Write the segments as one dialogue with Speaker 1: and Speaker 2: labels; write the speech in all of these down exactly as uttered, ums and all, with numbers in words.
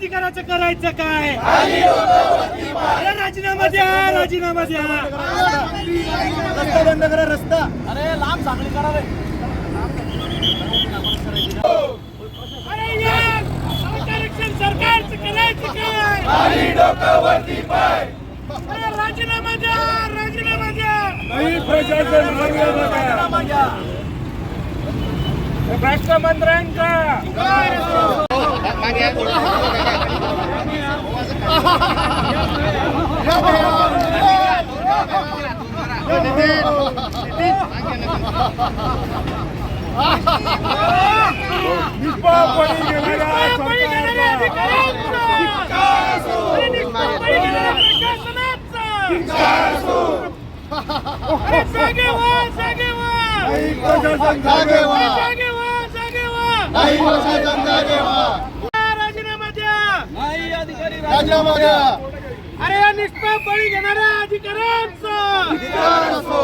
Speaker 1: अधिकाराचं करायचं काय? अरे राजीनामा द्या, राजीनामा द्या.
Speaker 2: रस्ता बंद करा, रस्ता.
Speaker 3: अरे लांब साखळी करा रे.
Speaker 1: अरे यार, आरक्षण सरकारचं करायचं काय?
Speaker 2: खाली डोकं वरती पाय.
Speaker 1: अरे राजीनामा द्या, राजीनामा द्या.
Speaker 2: नाही प्रशासन राजीनामा द्या.
Speaker 1: भ्रष्ट मंत्र्यांचा जागे व्हा, जागे व्हा.
Speaker 2: प्रशासन जागे व्हा.
Speaker 1: जागे व्हा, जागे व्हा.
Speaker 2: नाही प्रशासन जागे व्हा.
Speaker 1: राजीनामा द्या.
Speaker 3: नाही अधिकारी
Speaker 2: राजीनामा द्या.
Speaker 1: अरे या निष्पाप बळी घेणाऱ्या अधिकाऱ्यांचा
Speaker 2: अधिकार असो.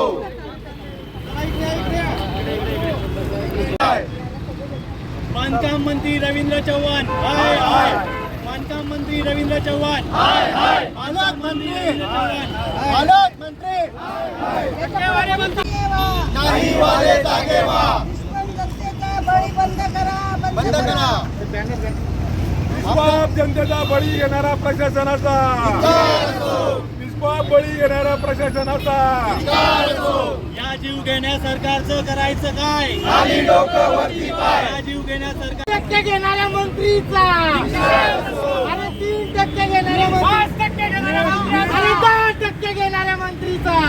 Speaker 1: बांधकाम मंत्री रवींद्र चव्हाण हाय हाय. बांधकाम मंत्री रवींद्र चव्हाण
Speaker 2: हाय हाय.
Speaker 1: बांधकाम मंत्री रवींद्र चव्हाण
Speaker 2: पालकमंत्री
Speaker 1: टक्केवारी मंत्री
Speaker 2: नाही वाले जागे व्हा.
Speaker 4: जनतेचा बळी बंद करा,
Speaker 2: बंद करा.
Speaker 5: निष्पाप जनतेचा बळी घेणारा प्रशासनाचा, निष्पाप बळी घेणारा प्रशासनाचा.
Speaker 1: या जीव घेण्या सरकारचं करायचं काय?
Speaker 2: खाली डोकं वरती पाय.
Speaker 1: या जीव घेण्या सरकार टक्के घेणाऱ्या मंत्रीचा आणि तीन टक्के घेणाऱ्या पाच टक्के घेणाऱ्या मंत्रीचा आणि दहा टक्के घेणाऱ्या मंत्रीचा.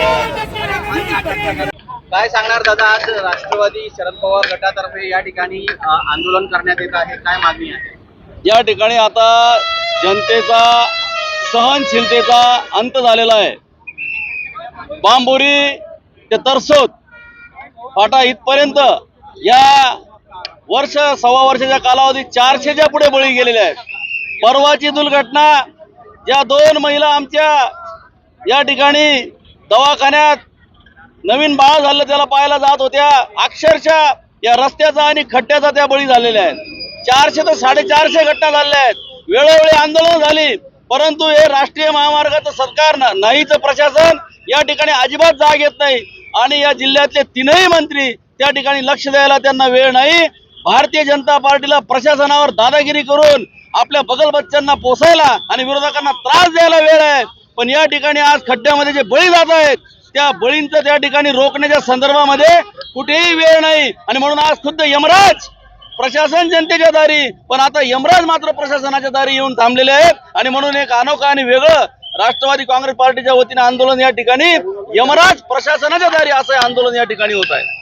Speaker 3: काय सांगणार दादा? आज राष्ट्रवादी शरद पवार गटातर्फे या ठिकाणी अ, आंदोलन करण्यात येत आहे. काय मागणी आहे?
Speaker 6: या ठिकाणी आता जनतेचा सहनशीलतेचा अंत झालेला आहे. बांबोरी ते तरसोद फाटा इथपर्यंत या वर्ष सव्वा वर्षाच्या कालावधीत चारशेच्या पुढे बळी गेलेले आहेत. परवाची दुर्घटना ज्या दोन महिला आमच्या या ठिकाणी दवाखान्यात नवीन बाळ झालं त्याला पाहायला जात होत्या, अक्षरशः या रस्त्याचा आणि खड्ड्याचा त्या बळी झालेल्या आहेत. चारशे ते साडेचारशे घटना झालेल्या आहेत. वेळोवेळी आंदोलन झाली, परंतु हे राष्ट्रीय महामार्गाचं सरकार नाहीचं प्रशासन या ठिकाणी अजिबात जाग येत नाही. आणि या जिल्ह्यातले तीनही मंत्री त्या ठिकाणी लक्ष द्यायला त्यांना वेळ नाही. भारतीय जनता पार्टीला प्रशासनावर दादागिरी करून आपल्या बगल बच्चांना पोसायला आणि विरोधकांना त्रास द्यायला वेळ आहे. पण या ठिकाणी आज खड्ड्यामध्ये जे बळी जात आहेत त्या बळींचं त्या ठिकाणी रोखण्याच्या संदर्भामध्ये कुठेही वेळ नाही. आणि म्हणून आज खुद्द यमराज प्रशासन जनतेच्या दारी, पण आता यमराज मात्र प्रशासनाच्या दारी येऊन थांबलेले आहेत. आणि म्हणून एक अनोखं आणि वेगळं राष्ट्रवादी काँग्रेस पार्टीच्या वतीने आंदोलन या ठिकाणी यमराज प्रशासनाच्या दारी असं आंदोलन या ठिकाणी होत आहे.